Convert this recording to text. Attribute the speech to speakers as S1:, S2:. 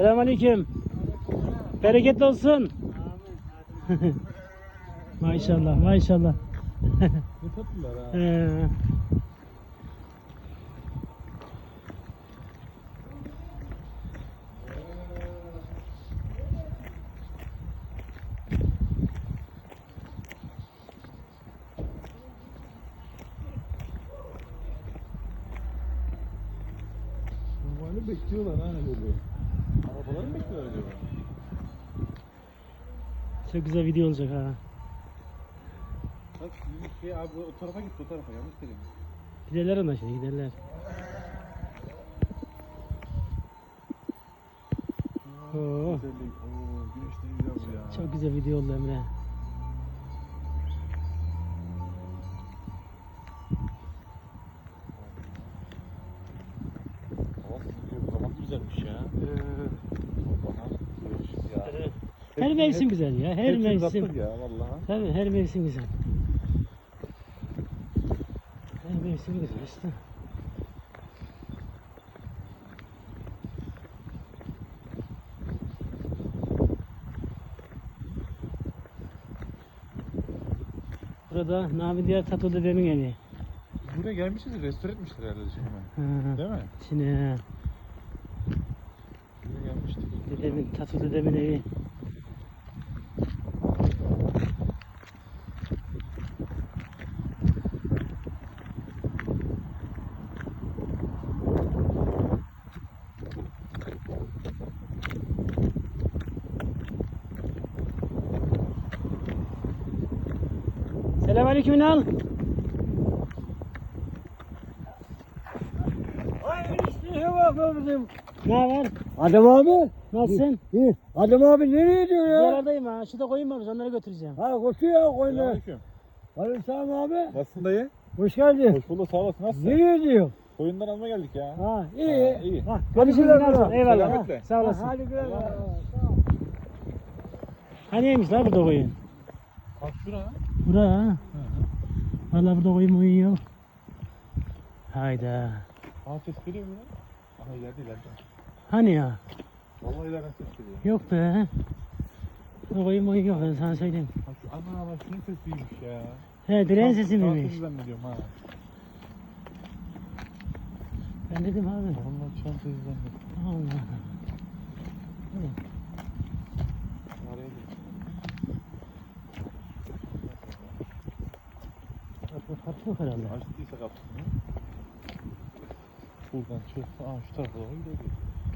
S1: Selamünaleyküm. Bereketli olsun. Maşallah, maşallah.
S2: Ne tatlılar ha. Normalde bekliyorlar ha böyle. Arabaları mı bekliyorlar acaba?
S1: Çok güzel video olacak ha.
S2: Bak şey abi o tarafa gitti, o tarafa yanlış dedim.
S1: Giderler ona şimdi, giderler. Oo.
S2: Güzellik. Oo, güneş ne güzel bu ya.
S1: Çok güzel video oldu Emre.
S2: Hava sıkıyor, zaman güzelmiş ya. Bana güneş ya.
S1: Evet. Her mevsim güzel ya, her
S2: Hepsini
S1: mevsim.
S2: zaptık ya vallahi.
S1: Tabii her mevsim güzel. Her mevsim güzel işte. Burada Nami Diyar Tatu dedemin evi.
S2: Buraya gelmişiz, restore etmişler herhalde şimdi.
S1: Ha.
S2: Değil mi?
S1: Şimdi
S2: Buraya gelmiştik.
S1: dedemin, Tatu dedemin evi. Selamünaleyküm Ünal. Ne haber?
S3: Adem abi.
S1: Nasılsın?
S3: İyi. Adem abi nereye gidiyor ya?
S1: Buralardayım ha. Şurada koyun varmış, onları götüreceğim.
S3: Ha koşuyor koyuna.
S2: Selamünaleyküm.
S3: Aleykümselam abi.
S2: Nasılsın dayı?
S3: Hoş geldin.
S2: Hoş bulduk, sağ olasın. Nasılsın?
S3: Nereye gidiyor?
S2: Koyundan almaya geldik ya.
S3: Ha iyi.
S2: Ha, iyi.
S3: Ha,
S1: Hadi şimdi
S3: güle
S1: Ünal.
S3: güle.
S1: Eyvallah.
S2: Selametle.
S1: Sağ olasın.
S3: Hadi güle güle.
S1: Haniymiş lan burada koyun?
S2: Bak şura.
S1: Bura ha. Valla burada koyun uyuyor. Hayda.
S2: Aa, ses geliyor mu lan? Aha ileride ileride.
S1: Hani ya?
S2: Vallahi ileriden ses geliyor.
S1: Yok be. Burada koyun uyuyor, ben sana söyleyeyim.
S2: Bak şu ana bak şunun sesiymiş ya.
S1: He, direğin sesi
S2: Dans
S1: miymiş?
S2: sesi zannediyorum ha.
S1: Ben dedim abi.
S2: Vallahi çan sesi zannediyorum.
S1: Allah.
S2: Araya gir.
S1: Kapı yok herhalde.
S2: Açtıysa kapısını. Buradan çıktı. Aa şu tarafa doğru gidiyor.